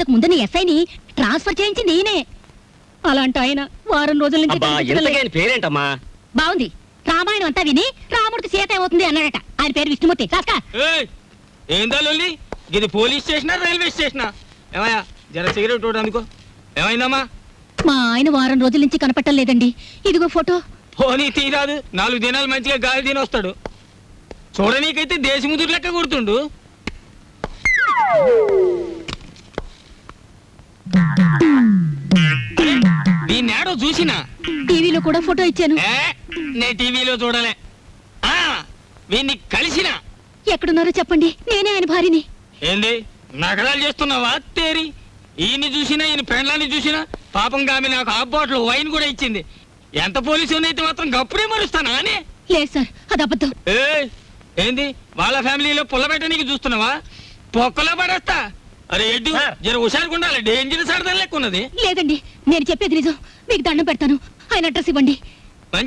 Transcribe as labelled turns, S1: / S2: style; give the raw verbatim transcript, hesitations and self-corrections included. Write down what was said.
S1: అంతకు ముందు ఎస్ఐని ట్రాన్స్ఫర్ చేయించి నేనే. అలాంటి ఆయన వారం రోజుల నుంచి
S2: పేరేంటమ్మా?
S1: బాగుంది. రామాయణం అంతా విని రాముడికి సీత ఏమవుతుంది అన్నాడట. ఆయన పేరు విష్ణుమూర్తి.
S3: ఏందా లొల్లి? ఇది పోలీస్ స్టేషనా రైల్వే స్టేషనా? ఏమయ్యా జర సిగరెట్ అందుకో. ఏమైందమ్మా?
S1: మా ఆయన వారం రోజుల నుంచి కనపట్టం లేదండి. ఇదిగో ఫోటో.
S3: పోనీ తీరాదు. నాలుగు దినాలు మంచిగా గాలి తిని వస్తాడు. చూడనీకైతే దేశముదురు లెక్క గుర్తుండు. దీన్ని ఏడో చూసినా
S1: టీవీలో కూడా ఫోటో ఇచ్చాను.
S3: నే టీవీలో చూడలే. ఆ వీన్ని కలిసినా.
S1: ఎక్కడున్నారో చెప్పండి, నేనే ఆయన భార్యని.
S3: ఏంది నగరాలు చేస్తున్నావా తేరి? ఈయన్ని చూసినా ఈయన పెండ్లాన్ని చూసినా పాపం గామి నాకు హాఫ్ బాటిల్ వైన్ కూడా ఇచ్చింది. ఎంత పోలీసు అయితే మాత్రం గప్పుడే మరుస్తానా అని?
S1: లేదు సార్, అది అబద్ధం.
S3: ఏ ఏంది వాళ్ళ ఫ్యామిలీలో పుల్లబెట్టనీకి చూస్తున్నావా? పొక్కలో పడేస్తా. అరే ఎడ్డు జర హుషారుగా ఉండాలి. డేంజర్ సరదా లెక్క ఉన్నది.
S1: లేదండి, నేను చెప్పేది నిజం. మీకు దండం పెడతాను. ఆయన అడ్రస్ ఇవ్వండి.